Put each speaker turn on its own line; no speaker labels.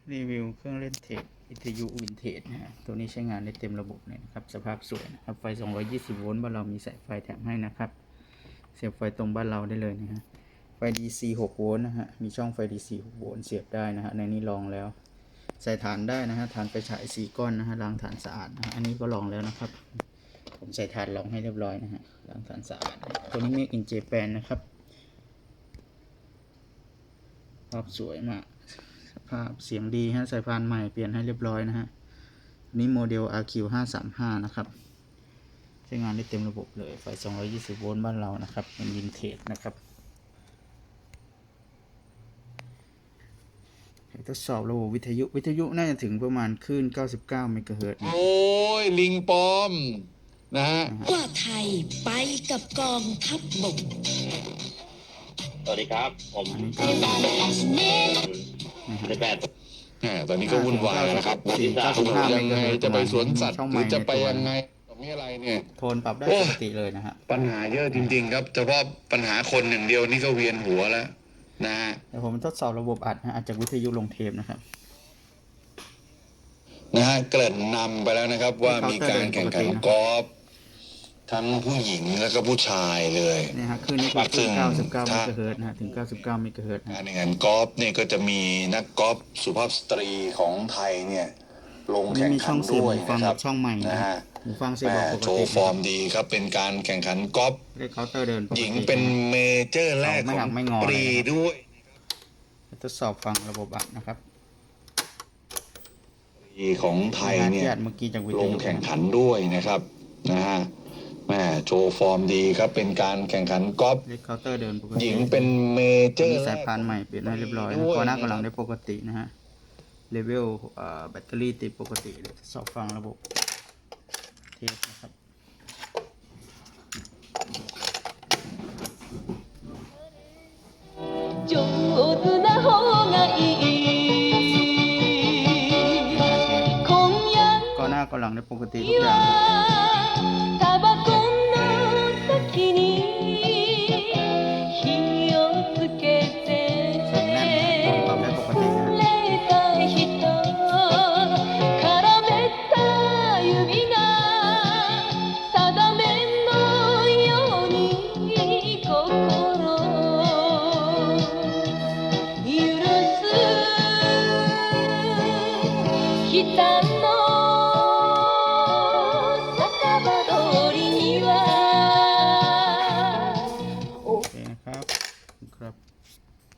รีวิวเครื่องเล่นเทปวิทยุวินเทจนะฮะตัวนี้ใช้งานได้เต็มระบบเลยนะครับสภาพสวยนะครับไฟ220โวลต์บ้านเรามีสายไฟแถมให้นะครับเสียบไฟตรงบ้านเราได้เลยนะฮะไฟ DC 6โวลต์นะฮะมีช่องไฟ DC 6โวลต์เสียบได้นะฮะในนี้ลองแล้วใส่ฐานได้นะฮะฐานไฟฉาย4ก้อนนะฮะล้างฐานสะอาดนะฮะอันนี้ก็ลองแล้วนะครับผมใส่ฐานรองให้เรียบร้อยนะฮะล้างฐานสะอาดตัวนี้ Make in Japan นะครับภาพสวยมากภาพเสียงดีฮะสายพานใหม่เปลี่ยนให้เรียบร้อยนะฮะนี่โมเดล RQ535 นะครับใช้งานได้เต็มระบบเลยไฟ220โวลต์บ้านเรานะครับเป็นวินเทจนะครับทดสอบระบบวิทยุน่าจะถึงประมาณคลื่น99เมกะเฮิรตซ์
โอ้ยลิงปลอมนะฮะ
ว่าไทยไปกับกองทัพบก
สวัสดีครับผมในแปด
ตอนนี้ก็วุ่นวายนะครับยังไงจะไปสวนสัตว์หรือจะไปยังไงมีอะไรเนี่ย
โทนปรับได้ปกติเลยนะฮะ
ปัญหาเยอะจริงๆครับเฉพาะปัญหาคนหนึ่งเดียวนี่ก็เวียนหัวแล้วนะฮะ
เดี๋ยวผมทดสอบระบบอัดจากวิทยุลงเทปนะครับ
เกริ่นนำไปแล้วนะครับว่ามีการแข่งขันกอล์ฟทั้งผู้หญิงแล้วก็ผู้ชายเลย
นี่ฮะคืนนี้คือ99เมกะเฮิรตซ์นะฮะถึง99เมกะเฮิรตซ์
การแข่งขันกอล์ฟเนี่ยก็จะมีนักกอล์ฟสุภาพสตรีของไทยเนี่ยลงแข่งขันด้วยนะครับ
ช่องใหม่นะฮะหูฟังเสียบปกติ
โชว์ฟอร์มดีครับเป็นการแข่งขันกอล์ฟหญิงเป็นเมเจอร์แรกของปีด้วย
ทดสอบฟังระบบอัดนะครับ
ของไทยเนี่ยลงแข่งขันด้วยนะครับนะฮะโชว์ฟอร์มดีครับเป็นการแข่งขันกอล์ฟหญิงเป็นเมเจอร์
สายพานใหม่เปลี่ยนให้เรียบร้อยก็หน้ากำลังได้ปกตินะฮะเลเวลแบตเตอรี่ติดปกติเลยทดสอบฟังระบบเทสนะครับก็หน้ากำลังได้ปกติทุกอย่าง